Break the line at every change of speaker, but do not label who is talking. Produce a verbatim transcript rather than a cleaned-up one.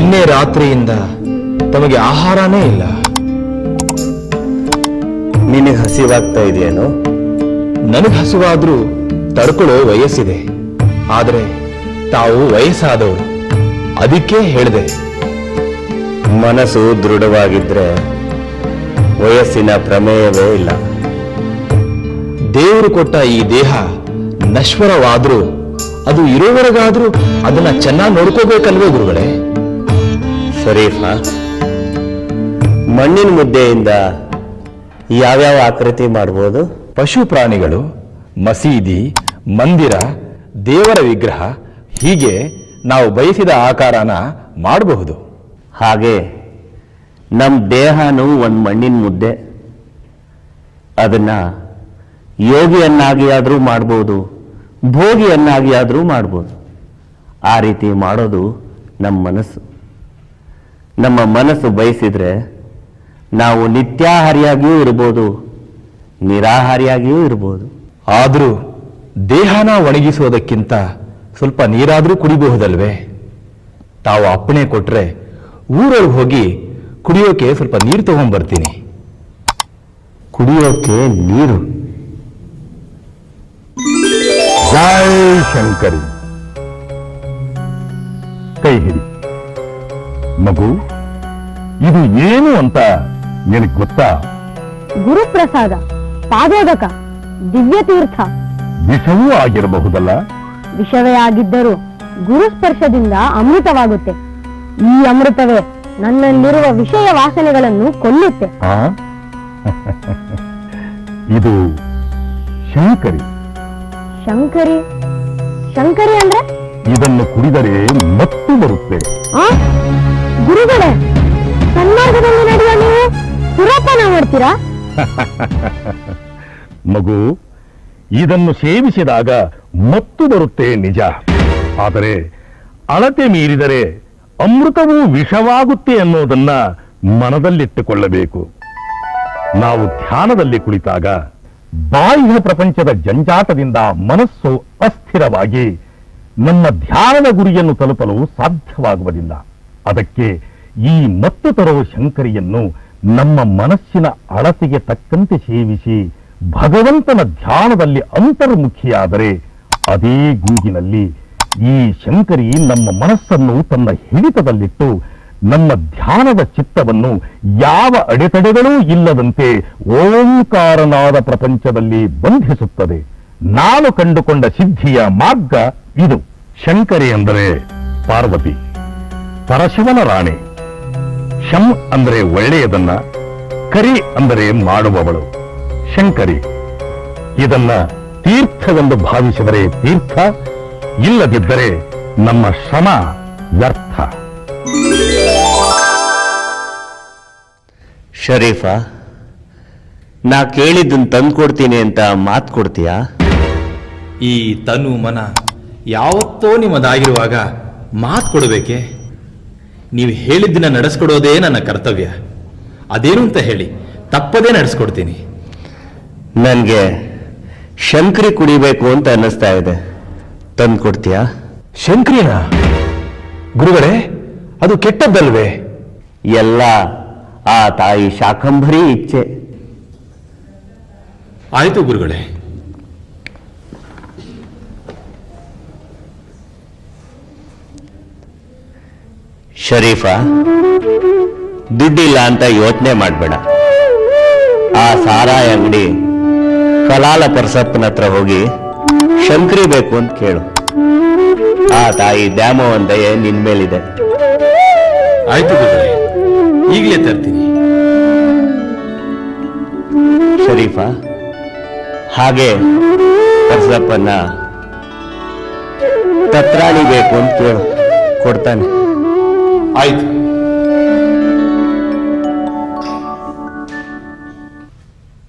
ನಿನ್ನೆ ರಾತ್ರಿಯಿಂದ ತಮಗೆ ಆಹಾರನೇ ಇಲ್ಲ.
ನಿನಗೆ ಹಸಿವಾಗ್ತಾ ಇದೆಯೇನೋ?
ನನಗೆ ಹಸಿವಾದ್ರೂ ತಡ್ಕೊಳ್ಳೋ ವಯಸ್ಸಿದೆ. ಆದರೆ ತಾವು ವಯಸ್ಸಾದವರು, ಅದಕ್ಕೆ ಹೇಳಿದೆ.
ಮನಸ್ಸು ದೃಢವಾಗಿದ್ರೆ ವಯಸ್ಸಿನ ಪ್ರಮೇಯವೇ ಇಲ್ಲ.
ದೇವರು ಕೊಟ್ಟ ಈ ದೇಹ ನಶ್ವರವಾದ್ರೂ ಅದು ಇರೋವರೆಗಾದ್ರೂ ಅದನ್ನ ಚೆನ್ನಾಗಿ ನೋಡ್ಕೋಬೇಕಲ್ವೇ ಗುರುಗಳೇ?
ಶರೀಫ, ಮಣ್ಣಿನ ಮುದ್ದೆಯಿಂದ ಯಾವ್ಯಾವ ಆಕೃತಿ ಮಾಡ್ಬೋದು?
ಪಶು ಪ್ರಾಣಿಗಳು, ಮಸೀದಿ, ಮಂದಿರ, ದೇವರ ವಿಗ್ರಹ, ಹೀಗೆ ನಾವು ಬಯಸಿದ ಆಕಾರನ ಮಾಡಬಹುದು.
ಹಾಗೆ ನಮ್ಮ ದೇಹನೂ ಒಂದು ಮಣ್ಣಿನ ಮುದ್ದೆ. ಅದನ್ನ ಯೋಗಿಯನ್ನಾಗಿ ಆದರೂ ಮಾಡ್ಬೋದು, ಭೋಗಿಯನ್ನಾಗಿ ಆದರೂ ಮಾಡ್ಬೋದು. ಆ ರೀತಿ ಮಾಡೋದು ನಮ್ಮ ಮನಸ್ಸು. ನಮ್ಮ ಮನಸ್ಸು ಬಯಸಿದ್ರೆ ನಾವು ನಿತ್ಯಾಹಾರಿಯಾಗಿಯೂ ಇರ್ಬೋದು, ನಿರಾಹಾರಿಯಾಗಿಯೂ ಇರ್ಬೋದು.
ಆದರೂ ದೇಹನ ಒಣಗಿಸೋದಕ್ಕಿಂತ ಸ್ವಲ್ಪ ನೀರಾದರೂ ಕುಡಿಬಹುದಲ್ವೇ? ತಾವು ಅಪ್ಪಣೆ ಕೊಟ್ರೆ ಊರೊಳಗೆ ಹೋಗಿ ಕುಡಿಯೋಕೆ ಸ್ವಲ್ಪ ನೀರು ತಗೊಂಡ್ಬರ್ತೀನಿ.
ಕುಡಿಯೋಕೆ ನೀರು?
ಜೈ ಶಂಕರಿ. ಕೈ ಹಿಡಿ ಮಗು. ಇದು ಏನು ಅಂತ ನಿನಗೆ ಗೊತ್ತಾ?
ಗುರುಪ್ರಸಾದ, ಪಾದೋದಕ, ದಿವ್ಯತೀರ್ಥ.
ವಿಷವೂ ಆಗಿರಬಹುದಲ್ಲ?
ವಿಷವೇ ಆಗಿದ್ದರೂ ಗುರುಸ್ಪರ್ಶದಿಂದ ಅಮೃತವಾಗುತ್ತೆ. ಈ ಅಮೃತವೇ ನನ್ನಲ್ಲಿರುವ ವಿಷಯ ವಾಸನೆಗಳನ್ನು ಕೊಲ್ಲುತ್ತೆ.
ಆ? ಇದು ಶಂಕರಿ.
ಶಂಕರಿ? ಶಂಕರಿ ಅಂದ್ರೆ?
ಇದನ್ನು ಕುಡಿದರೆ ಮತ್ತು ಬರುತ್ತೆ.
ಆ ಗುರುಗಳೇ, ಸನ್ಮಾರ್ಗದಲ್ಲಿ ನಡೆಯುವ ನೀವು ಸುರಾಪಾನ ಮಾಡ್ತೀರಾ?
ಮಗು, ಇದನ್ನು ಸೇವಿಸಿದಾಗ ಮತ್ತು ಬರುತ್ತೆ ನಿಜ. ಆದರೆ ಅಳತೆ ಮೀರಿದರೆ ಅಮೃತವೂ ವಿಷವಾಗುತ್ತೆ ಅನ್ನೋದನ್ನ ಮನದಲ್ಲಿಟ್ಟುಕೊಳ್ಳಬೇಕು. ನಾವು ಧ್ಯಾನದಲ್ಲಿ ಕುಳಿತಾಗ ಬಾಹ್ಯ ಪ್ರಪಂಚದ ಜಂಜಾಟದಿಂದ ಮನಸ್ಸು ಅಸ್ಥಿರವಾಗಿ ನಮ್ಮ ಧ್ಯಾನದ ಗುರಿಯನ್ನು ತಲುಪಲು ಸಾಧ್ಯವಾಗುವುದಿಲ್ಲ. ಅದಕ್ಕೆ ಈ ಮತ್ತು ತರುವ ಶಂಕರಿಯನ್ನು ನಮ್ಮ ಮನಸ್ಸಿನ ಅಳತೆಗೆ ತಕ್ಕಂತೆ ಸೇವಿಸಿ ಭಗವಂತನ ಧ್ಯಾನದಲ್ಲಿ ಅಂತರ್ಮುಖಿಯಾದರೆ ಅದೇ ಗೂಗಿನಲ್ಲಿ ಈ ಶಂಕರಿ ನಮ್ಮ ಮನಸ್ಸನ್ನು ತನ್ನ ಹಿಡಿತದಲ್ಲಿಟ್ಟು ನಮ್ಮ ಧ್ಯಾನದ ಚಿತ್ತವನ್ನು ಯಾವ ಅಡೆತಡೆಗಳೂ ಇಲ್ಲದಂತೆ ಓಂಕಾರನಾದ ಪ್ರಪಂಚದಲ್ಲಿ ಬಂಧಿಸುತ್ತದೆ. ನಾನು ಕಂಡುಕೊಂಡ ಸಿದ್ಧಿಯ ಮಾರ್ಗ ಇದು. ಶಂಕರಿ ಅಂದರೆ ಪಾರ್ವತಿ, ಪರಶಿವನ ರಾಣಿ. ಶಂ ಅಂದರೆ ಒಳ್ಳೆಯದನ್ನ, ಕರಿ ಅಂದರೆ ಮಾಡುವವಳು. ಶಂಕರಿ. ಇದನ್ನ ತೀರ್ಥವೆಂದು ಭಾವಿಸಿದರೆ ತೀರ್ಥ, ಇಲ್ಲದಿದ್ದರೆ ನಮ್ಮ ಶ್ರಮ ವ್ಯರ್ಥ.
ಶರೀಫ, ನಾ ಕೇಳಿದ್ದನ್ನು ತಂದ್ಕೊಡ್ತೀನಿ ಅಂತ ಮಾತು ಕೊಡ್ತೀಯಾ?
ಈ ತನು ಮನ ಯಾವತ್ತೋ ನಿಮ್ಮದಾಗಿರುವಾಗ ಮಾತು ಕೊಡಬೇಕೆ? ನೀವು ಹೇಳಿದ್ದನ್ನ ನಡೆಸ್ಕೊಡೋದೇ ನನ್ನ ಕರ್ತವ್ಯ. ಅದೇನು ಅಂತ ಹೇಳಿ ತಪ್ಪದೇ ನಡೆಸ್ಕೊಡ್ತೀನಿ.
ನನಗೆ ಶಂಕರಿ ಕುಡಿಬೇಕು ಅಂತ ಅನ್ನಿಸ್ತಾ ಇದೆ, ತಂದ್ಕೊಡ್ತೀಯಾ?
ಶಂಕರಿನ? ಗುರುಗಳೇ, ಅದು ಕೆಟ್ಟದ್ದಲ್ವೇ?
ಎಲ್ಲ ಆ ತಾಯಿ ಶಾಕಂಭರಿ ಇಚ್ಛೆ.
ಆಯ್ತು ಗುರುಗಳೇ.
ಶರೀಫ, ದುಡ್ಡಿಲ್ಲ ಅಂತ ಯೋಚನೆ ಮಾಡಬೇಡ. ಆ ಸಾರಾಯಿ ಅಂಗಡಿ ಕಲಾಲ ಪರಸಪ್ಪನ ಹತ್ರ ಹೋಗಿ ಶಂಕರಿ ಬೇಕು ಅಂತ ಕೇಳು. ಆ ತಾಯಿ ದ್ಯಾಮವ್ವನ ದಯೆ ನಿನ್ ಮೇಲಿದೆ.
ಆಯ್ತು ಗುರುಗಳೇ, ಈಗಲೇ ತರ್ತೀನಿ.
ಶರೀಫ, ಹಾಗೆ ಪರಸಪ್ಪನ ತತ್ರಾಣಿ ಬೇಕು ಅಂತ ಕೇಳು, ಕೊಡ್ತಾನೆ.
ಆಯ್ತು.